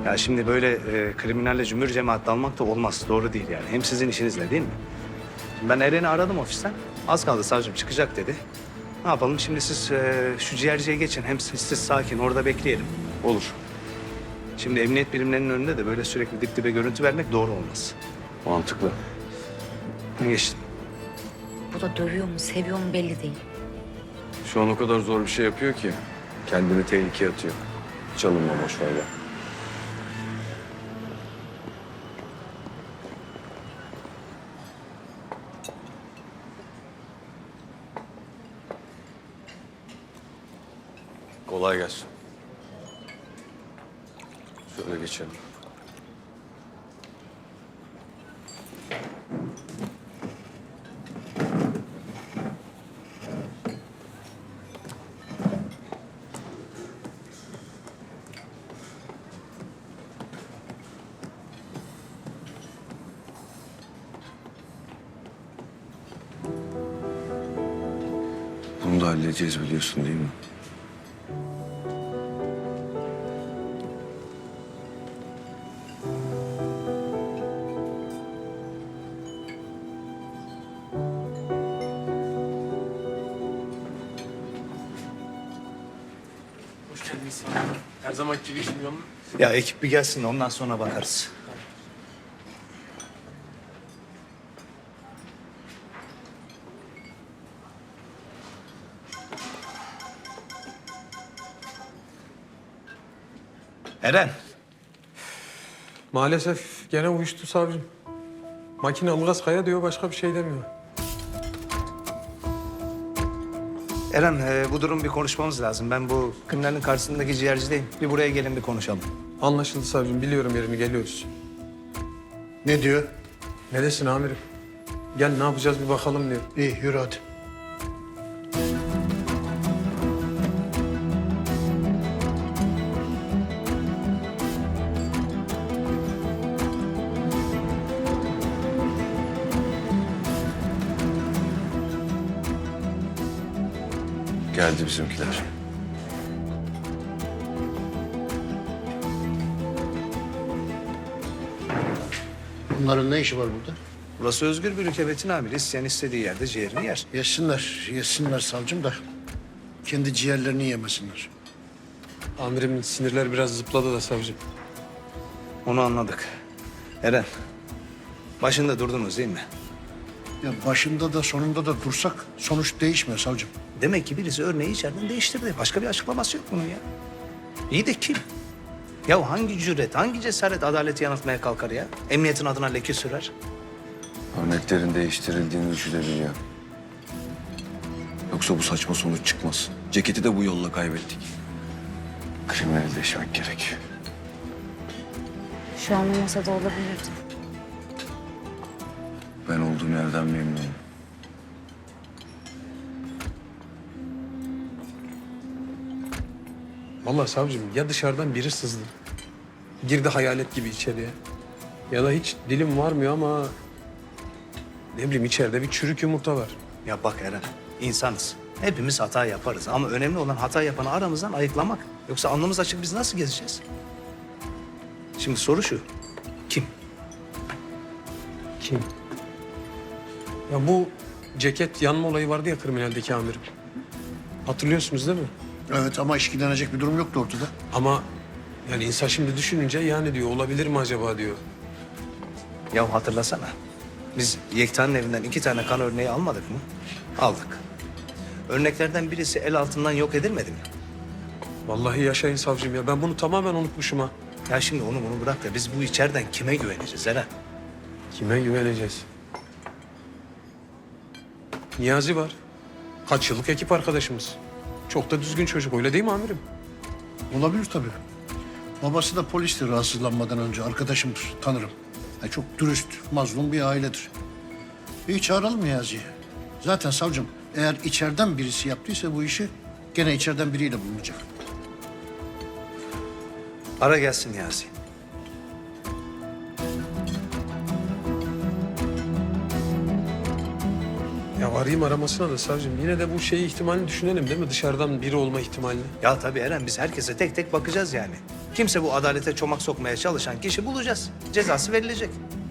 Ya şimdi böyle kriminalle cümbür cemaat dalmak da olmaz. Doğru değil yani. Hem sizin işinizle değil mi? Şimdi ben Eren'i aradım ofisten. Az kaldı savcım çıkacak dedi. Ne yapalım şimdi siz şu ciğerciye geçin. Hem siz sakin orada bekleyelim. Olur. Şimdi emniyet birimlerinin önünde de böyle sürekli dip dibe görüntü vermek doğru olmaz. Mantıklı. Geçtim. Bu da dövüyor mu, seviyor mu belli değil. Şu an o kadar zor bir şey yapıyor ki kendini tehlikeye atıyor. Çalınma boş ver ya. Kolay gelsin. Şöyle geçelim. Bunu da halledeceğiz biliyorsun değil mi? Hoş geldiniz. Her zamanki gibi işim yolunda. Ya ekip bir gelsin de ondan sonra bakarız. Eren. Maalesef gene uyuştu savcım. Makine Ilgaz Kaya diyor, başka bir şey demiyor. Eren bu durum bir konuşmamız lazım. Ben bu kriminalin karşısındaki ciğercideyim. Bir buraya gelin bir konuşalım. Anlaşıldı savcım, biliyorum yerini, geliyoruz. Ne diyor? Ne desin amirim? Gel ne yapacağız bir bakalım diyor. İyi yürü hadi. Geldi bizimkiler. Bunların ne işi var burada? Burası özgür bir ülke Betin abi. İsteyen istediği yerde ciğerini yer. Yesinler savcım da kendi ciğerlerini yemesinler. Amirimin sinirler biraz zıpladı da savcım. Onu anladık. Eren, başında durdunuz değil mi? Ya başında da sonunda da dursak sonuç değişmiyor savcım. Demek ki birisi örneği içeriden değiştirdi. Başka bir açıklaması yok bunun ya. İyi de kim? Ya hangi cüret, hangi cesaret adaleti yanıltmaya kalkar ya? Emniyetin adına leke sürer. Örneklerin değiştirildiğini düşünebiliyor. Yoksa bu saçma sonuç çıkmaz. Ceketi de bu yolla kaybettik. Kriminalleşmek gerek. Şu an o masada olabilirdi. Ben olduğum yerden memnunum. Vallahi savcım ya dışarıdan biri sızdı. Girdi hayalet gibi içeriye. Ya da hiç dilim varmıyor ama... Ne bileyim içeride bir çürük yumurta var. Ya bak Eren, insanız. Hepimiz hata yaparız ama önemli olan hata yapanı aramızdan ayıklamak. Yoksa alnımız açık biz nasıl gezeceğiz? Şimdi soru şu, kim? Kim? Ya bu ceket yanma olayı vardı ya kriminaldeki amirim. Hatırlıyorsunuz değil mi? Evet ama işkilenecek bir durum yoktu ortada. Ama yani insan şimdi düşününce yani diyor olabilir mi acaba diyor. Ya hatırlasana. Biz Yekta'nın evinden 2 tane kan örneği almadık mı? Aldık. Örneklerden birisi el altından yok edilmedi mi? Vallahi yaşayın savcım ya ben bunu tamamen unutmuşum ha. Ya şimdi onu bunu bırak da biz bu içeriden kime güveneceğiz Eren? Kime güveneceğiz? Niyazi var. Kaç yıllık ekip arkadaşımız. Çok da düzgün çocuk öyle değil mi amirim? Olabilir tabii. Babası da polisti rahatsızlanmadan önce. Arkadaşımdır, tanırım. Çok dürüst, mazlum bir ailedir. İyi çağıralım Niyazi'yi. Zaten savcım eğer içeriden birisi yaptıysa bu işi gene içeriden biriyle bulunacak. Ara gelsin Niyazi. Ya arayayım aramasına da savcım. Yine de bu şeyi ihtimalini düşünelim değil mi? Dışarıdan biri olma ihtimalini. Ya tabii Eren, biz herkese tek tek bakacağız yani. Kimse bu adalete çomak sokmaya çalışan kişi bulacağız. Cezası verilecek.